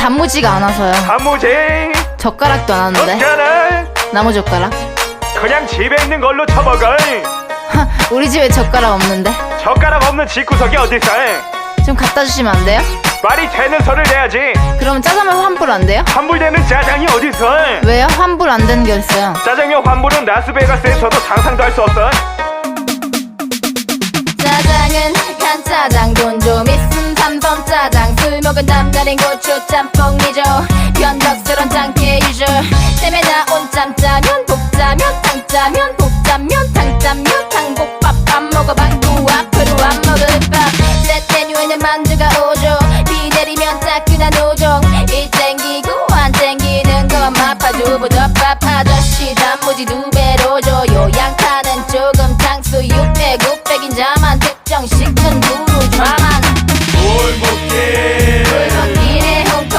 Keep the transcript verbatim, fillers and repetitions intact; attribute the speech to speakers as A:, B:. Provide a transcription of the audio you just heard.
A: 단무지가 안 와서요.
B: 단무지
A: 젓가락도 안 왔는데.
B: 젓가락
A: 나무 젓가락.
B: 그냥 집에 있는 걸로 쳐먹어.
A: 우리 집에 젓가락 없는데.
B: 젓가락 없는 집구석이 어딨어.
A: 좀 갖다 주시면 안 돼요?
B: 말이 되는 소리를 내야지.
A: 그러면 짜장면 환불 안 돼요?
B: 환불되는 짜장이 어딨어.
A: 왜요? 환불 안 되는 게 있어요.
B: 짜장면 환불은 라스베가스에서도 상상도 할 수 없어.
A: 짜장은 간짜장 돈 좀 있음 삼선 짜장 술 먹은 남다른 고추 짬뽕 미조 변덕스런 짱깨 유저 땜에 나온 짬짜면 복짜면 탕짜면 복짜면 탕짜면 탕복밥 안 먹어봤고 앞으로 안 먹을 밥 셋 메뉴에는 만두